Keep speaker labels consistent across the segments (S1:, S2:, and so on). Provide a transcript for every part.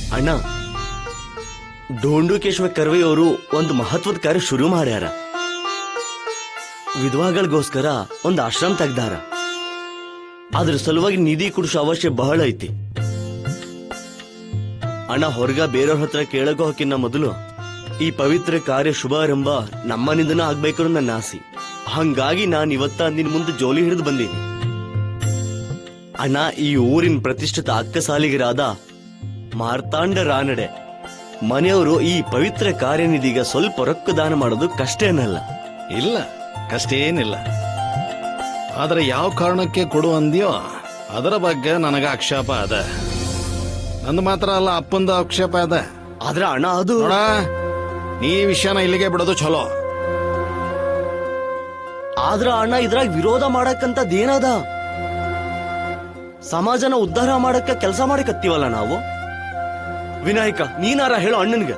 S1: ಅಣ್ಣ, ಢೋಂಡುಕೇಶ್ವರ ಕರ್ವೆ ಅವರು ಒಂದು ಮಹತ್ವದ ಕಾರ್ಯ ಶುರು ಮಾಡ್ಯಾರ. ವಿಧವಾಗಳಿಗೋಸ್ಕರ ಒಂದು ಆಶ್ರಮ ತೆಗ್ದಾರ. ಅದ್ರ ಸಲುವಾಗಿ ನಿಧಿ ಕುಡಿಸೋ ಅವಶ್ಯ ಬಹಳ ಐತಿ. ಅಣ್ಣ, ಹೊರಗ ಬೇರೆಯವ್ರ ಹತ್ರ ಕೇಳಕೋ ಹಾಕಿನ ಮೊದಲು ಈ ಪವಿತ್ರ ಕಾರ್ಯ ಶುಭಾರಂಭ ನಮ್ಮನಿಂದನ ಆಗ್ಬೇಕು ಅನ್ನೋ ನನ್ನ ಆಸೆ. ಹಂಗಾಗಿ ನಾನು ಇವತ್ತ ನಿನ್ ಮುಂದೆ ಜೋಲಿ ಹಿಡಿದು ಬಂದೀನಿ. ಅಣ್ಣ, ಈ ಊರಿನ ಪ್ರತಿಷ್ಠಿತ ಅಕ್ಕಸಾಲಿಗರಾದ ಮಾರ್ತಾಂಡ ರಾನಡೆ ಮನೆಯವರು ಈ ಪವಿತ್ರ ಕಾರ್ಯನಿಧಿಗ ಸ್ವಲ್ಪ ರೊಕ್ಕ ದಾನ ಮಾಡೋದು ಕಷ್ಟ ಏನಲ್ಲ.
S2: ಇಲ್ಲ, ಕಷ್ಟ ಏನಿಲ್ಲ. ಆದ್ರೆ ಯಾವ ಕಾರಣಕ್ಕೆ ಕೊಡು ಅಂದ್ಯೋ ಅದರ ಬಗ್ಗೆ ನನಗ ಆಕ್ಷೇಪ ಅದ. ನಂದು ಮಾತ್ರ ಅಲ್ಲ, ಅಪ್ಪಂದು ಆಕ್ಷೇಪ ಅದ.
S1: ಆದ್ರೆ ಅಣ್ಣ, ಅದು
S2: ನೋಡ, ನೀ ವಿಷಯನ ಇಲ್ಲಿಗೆ ಬಿಡೋದು ಚಲೋ.
S1: ಆದ್ರ ಅಣ್ಣ, ಇದ್ರಾಗ ವಿರೋಧ ಮಾಡಕ್ಕಂತದೇನದ? ಸಮಾಜನ ಉದ್ಧಾರ ಮಾಡಕ್ಕ ಕೆಲಸ ಮಾಡಕತ್ತೀವಲ್ಲ ನಾವು. ವಿನಾಯಕ, ನೀನಾರ ಹೇಳೋ ಅಣ್ಣನ್ಗ.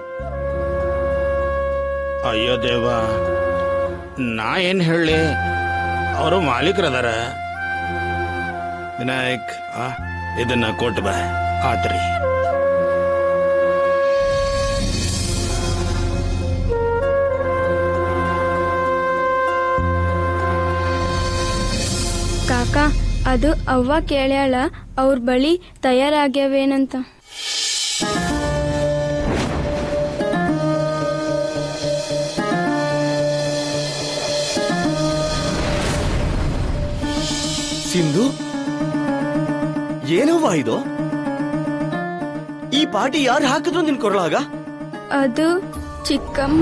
S2: ಅಯ್ಯೋ ದೇವ, ನಾ ಏನ್ ಹೇಳಿ, ಅವರು ಮಾಲೀಕರದಾರ. ವಿನಾಯಕ್, ಇದನ್ನ ಕೊಟ್ಟು ಬಾ. ಆತ್ರಿ.
S3: ಕಾಕಾ, ಅದು ಅವ್ವ ಕೇಳ್ಯಾಳ ಅವ್ರ ಬಳಿ ತಯಾರಾಗ್ಯಾವೇನಂತ.
S1: ಸಿಂಧು, ಏನವ್ವ ಇದು? ಈ ಪಾಟಿ ಯಾರು ಹಾಕಿದ್ರು ನಿನ್ ಕೊರಳಾಗ?
S3: ಅದು ಚಿಕ್ಕಮ್ಮ.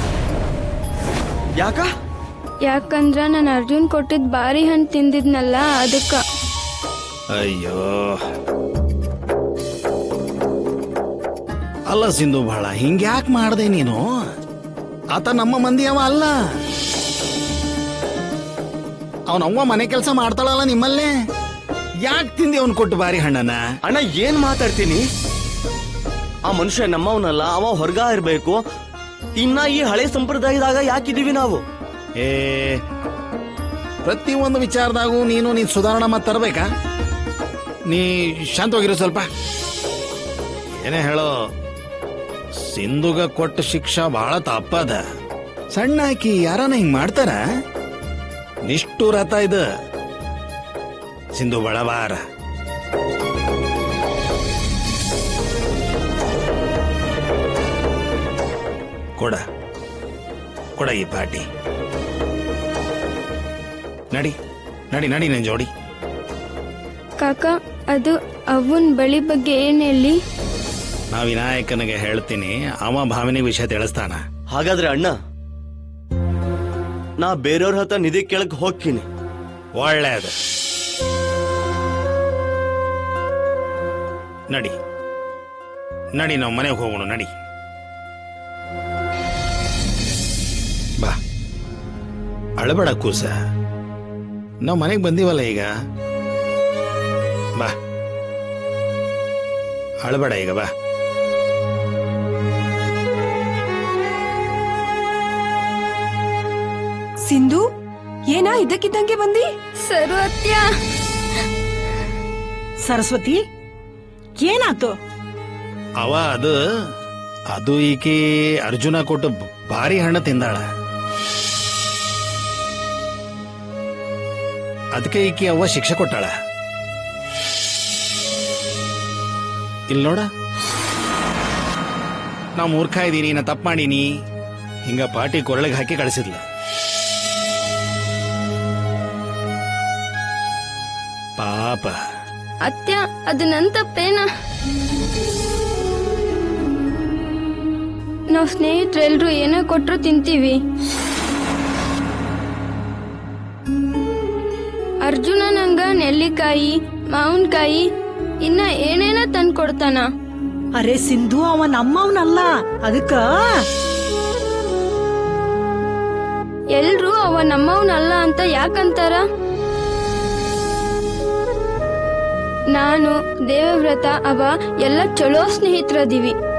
S1: ಯಾಕ?
S3: ಯಾಕಂದ್ರ ನಾನು ಅರ್ಜುನ್ ಕೊಟ್ಟಿದ್ ಬಾರಿ ಹಣ್ಣು ತಿಂದಿದ್ನಲ್ಲ, ಅದಕ್ಕ.
S2: ಅಯ್ಯೋ, ಅಲ್ಲ ಸಿಂಧು, ಬಹಳ ಹಿಂಗ್ಯಾಕ್ ಮಾಡ್ದೆ ನೀನು? ಆತ ನಮ್ಮ ಮಂದಿ ಅವ ಅಲ್ಲ. ಅವನವ್ವ ಮನೆ ಕೆಲಸ ಮಾಡ್ತಾಳಲ್ಲ ನಿಮ್ಮಲ್ಲೇ. ಯಾಕೆ ತಿಂದಿ ಅವನ್ ಕೊಟ್ಟು ಬಾರಿ ಹಣ್ಣನ?
S1: ಅಣ್ಣ, ಏನ್ ಮಾತಾಡ್ತೀನಿ? ಆ ಮನುಷ್ಯ ನಮ್ಮವನಲ್ಲ, ಅವ ಹೊರಗ ಇರ್ಬೇಕು. ಇನ್ನ ಈ ಹಳೆ ಸಂಪ್ರದಾಯದಾಗ ಯಾಕಿದೀವಿ ನಾವು?
S2: ಪ್ರತಿಯೊಂದು ವಿಚಾರದಾಗೂ ನೀನ್ ಸುಧಾರಣೆ ಮಾತು ತರಬೇಕಾ? ನೀ ಶಾಂತವಾಗಿರೋ ಸ್ವಲ್ಪ. ಏನೇ ಹೇಳೋ, ಸಿಂಧುಗ ಕೊಟ್ಟ ಶಿಕ್ಷಾ ಬಹಳ ತಪ್ಪದ. ಸಣ್ಣ ಹಾಕಿ ಯಾರನ್ನ ಹಿಂಗ್ ಮಾಡ್ತಾರ? ನಿಷ್ಠುರತ ಇದು. ಸಿಂಧು ಬಳಬಾರ. ಕೊಡ ಕೊಡ ಈ ಪಾಟಿ. ನಡಿ ನಡಿ ನಡಿ ನನ್ ಜೋಡಿ.
S3: ಕಾಕಾ, ಅದು ಅವನ್ ಬಳಿ ಬಗ್ಗೆ ಏನ್ ಹೇಳಿ?
S2: ನಾ ವಿನಾಯಕನಿಗೆ ಹೇಳ್ತೀನಿ, ಅವ ಭಾವನೆ ವಿಷಯ ತಿಳಿಸ್ತಾನ.
S1: ಹಾಗಾದ್ರೆ ಅಣ್ಣ, ನಾ ಬೇರೆಯವ್ರ ಹತ್ರ ನಿಧಿ ಕೇಳಕ್ ಹೋಗ್ತೀನಿ.
S2: ಒಳ್ಳೇದು. ನಡಿ ನಡಿ, ನಾವು ಮನೆಗೆ ಹೋಗೋಣ. ನಡಿ ಬಾ. ಅಳಬೇಡ ಕೂಸ, ನಾವು ಮನೆಗೆ ಬಂದೀವಲ್ಲ ಈಗ. ಬಾ, ಅಳಬೇಡ ಈಗ, ಬಾ.
S4: ಸಿಂಧು, ಏನಾ ಇದ್ದಕ್ಕಿದ್ದಂಗೆ ಬಂದಿ?
S3: ಸರ್ವತ್ಯ.
S4: ಸರಸ್ವತಿ, ಏನಾತು?
S2: ಅವ ಅದು ಈಕೆ ಅರ್ಜುನ ಕೊಟ್ಟು ಭಾರಿ ಹಣ್ಣು ತಿಂದಾಳ. ಅದಕ್ಕೆ ಈಕೆ ಅವ್ವ ಶಿಕ್ಷೆ ಕೊಟ್ಟಾಳ. ಇಲ್ಲಿ ನೋಡ, ನಾ ಮೂರ್ಖ ಇದ್ದೀನಿ, ನಾ ತಪ್ಪು ಮಾಡೀನಿ, ಹಿಂಗ ಪಾಟಿ ಕೊರಳಿಗೆ ಹಾಕಿ ಕಳಿಸಿದ್ಲ. ಪಾಪ.
S3: ಅತ್ಯ, ಅದು ನನ್ ತಪ್ಪೇನ? ನಾವ್ ಸ್ನೇಹಿತರೆಲ್ರು ಏನೋ ಕೊಟ್ರು ತಿಂತೀವಿ. ಅರ್ಜುನ ನಂಗ ನೆಲ್ಲಿಕಾಯಿ, ಮಾವಿನಕಾಯಿ, ಇನ್ನ ಏನೇನ ತಂದ್ ಕೊಡ್ತಾನ.
S4: ಅರೆ ಸಿಂಧು, ಅವ ನಮ್ಮವನಲ್ಲ, ಅದಕ್ಕ
S3: ಎಲ್ರು ಅವ ನಮ್ಮವನಲ್ಲ ಅಂತ ಯಾಕಂತಾರ? ನಾನು, ದೇವವ್ರತ, ಅವ ಎಲ್ಲ ಚಲೋ ಸ್ನೇಹಿತರದೀವಿ.